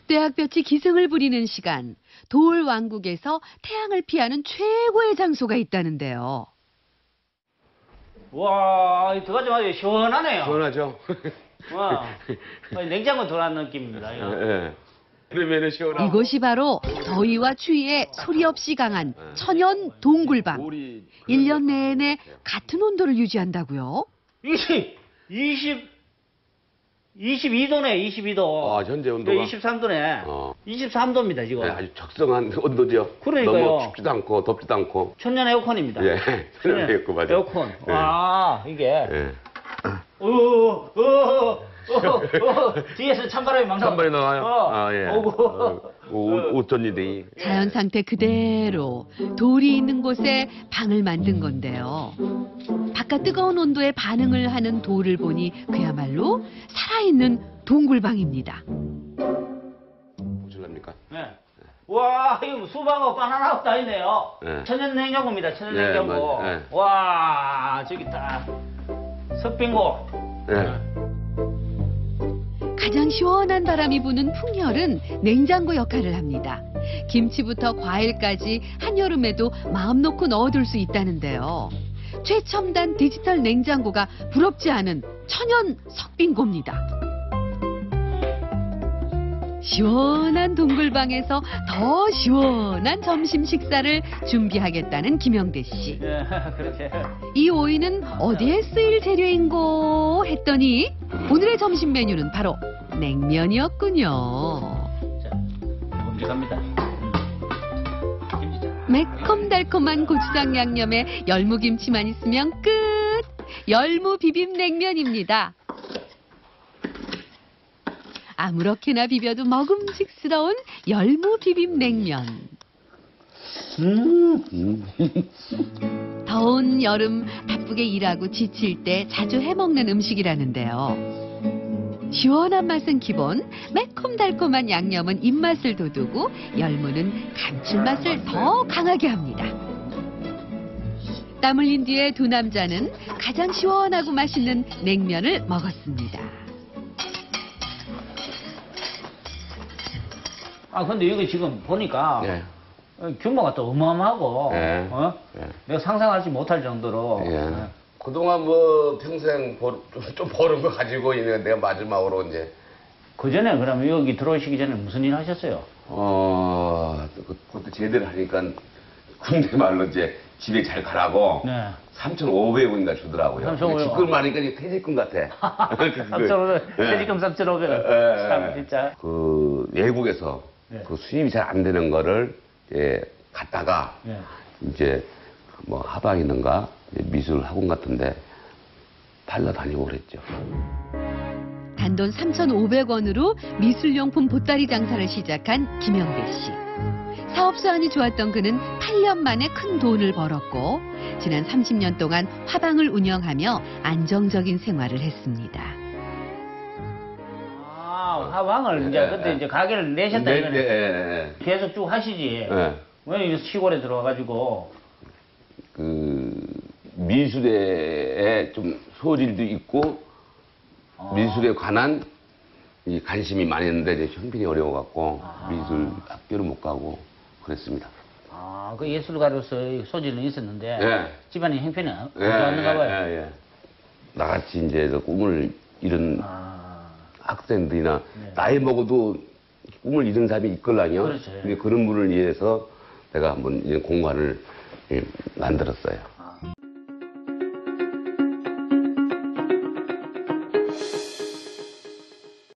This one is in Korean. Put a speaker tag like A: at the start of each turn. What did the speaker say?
A: 떼약볕이 기승을 부리는 시간, 돌 왕국에서 태양을 피하는 최고의 장소가 있다는데요.
B: 와, 들어가지 마세요. 시원하네요.
C: 시원하죠?
B: 와, 냉장고 들어간 느낌입니다. 이거.
C: 예. 그러면은 시원하고.
A: 이곳이 바로 더위와 추위에 소리 없이 강한 천연 동굴방.
C: 돌이
A: 1년 내내 같은 온도를 유지한다고요?
B: 22도네, 22도.
C: 아, 현재 온도가?
B: 23도네.
C: 어.
B: 23도입니다, 지금.
C: 네, 아주 적성한 온도죠.
B: 그러니까요.
C: 너무 춥지도 않고 덥지도 않고.
B: 천연 에어컨입니다.
C: 예, 천연 에어컨 맞아요.
B: 에어컨.
C: 예.
B: 와, 이게.
C: 예.
B: 뒤에서 찬바람이 막
C: 찬바람이 나와요? 아, 예.
B: 오고.
C: 어쩐일이.
A: 자연 상태 그대로 돌이 있는 곳에 방을 만든 건데요. 바깥 뜨거운 온도에 반응을 하는 돌을 보니 그야말로 살아있는 동굴방입니다.
C: 보실랍니까?
B: 네. 와, 이거 수박하고 바나나하고 다 있네요.
C: 네.
B: 천연 냉장고입니다, 천연
C: 네,
B: 냉장고.
C: 맞아요. 네.
B: 와, 저기 딱. 석빙고.
C: 예.
A: 가장 시원한 바람이 부는 풍열은 냉장고 역할을 합니다. 김치부터 과일까지 한여름에도 마음 놓고 넣어둘 수 있다는데요. 최첨단 디지털 냉장고가 부럽지 않은 천연 석빙고입니다. 시원한 동굴방에서 더 시원한 점심 식사를 준비하겠다는 김영대 씨.
B: 예, 그렇게.
A: 이 오이는 어디에 쓰일 재료인고 했더니 오늘의 점심 메뉴는 바로 냉면이었군요.
B: 자, 묵직합니다.
A: 매콤달콤한 고추장 양념에 열무김치만 있으면 끝! 열무 비빔냉면입니다. 아무렇게나 비벼도 먹음직스러운 열무 비빔냉면. 더운 여름 바쁘게 일하고 지칠 때 자주 해먹는 음식이라는데요. 시원한 맛은 기본, 매콤달콤한 양념은 입맛을 돋우고 열무는 감칠맛을 더 강하게 합니다. 땀 흘린 뒤에 두 남자는 가장 시원하고 맛있는 냉면을 먹었습니다.
B: 아, 근데 이거 지금 보니까
C: 예.
B: 규모가 또 어마어마하고,
C: 예.
B: 예. 내가 상상하지 못할 정도로.
C: 예. 그동안 뭐 평생 좀 버는 거 가지고 있는 내가 마지막으로 이제.
B: 그 전에 그러면 여기 들어오시기 전에 무슨 일 하셨어요?
C: 그것도 제대로 하니까 군대 말로 이제 집에 잘 가라고.
B: 네.
C: 3,500원인가 주더라고요.
B: 3,500원.
C: 직급을 많으니까 이제 퇴직금 같아.
B: 3,500원, 퇴직금 3,500원. 참, 진짜.
C: 그 외국에서
B: 네.
C: 그 수입이 잘 안 되는 거를 이제 갔다가
B: 네.
C: 이제 뭐 하방이든가 미술 학원 같은데 팔러다니고 그랬죠.
A: 단돈 3,500원으로 미술용품 보따리 장사를 시작한 김영대 씨. 사업 수완이 좋았던 그는 8년 만에 큰 돈을 벌었고 지난 30년 동안 화방을 운영하며 안정적인 생활을 했습니다.
B: 아, 화방을 이제 그때 이제 가게를 내셨다 이거는.
C: 네.
B: 계속 쭉 하시지.
C: 네.
B: 왜 시골에 들어와가지고.
C: 그 미술에 좀 소질도 있고 미술에 관한 이 관심이 많이 있는데 이제 형편이 어려워갖고 미술 학교를 못 가고 그랬습니다.
B: 아, 그 예술가로서의 소질은 있었는데
C: 예.
B: 집안의 형편이 안
C: 예,
B: 좋았는가 봐요.
C: 예. 나같이 이제 그 꿈을 잃은 학생들이나
B: 네.
C: 나이 먹어도 꿈을 잃은 사람이 있걸랑요.
B: 그렇죠.
C: 근데 그런 분을 위해서 내가 한번 이제 공간을 만들었어요.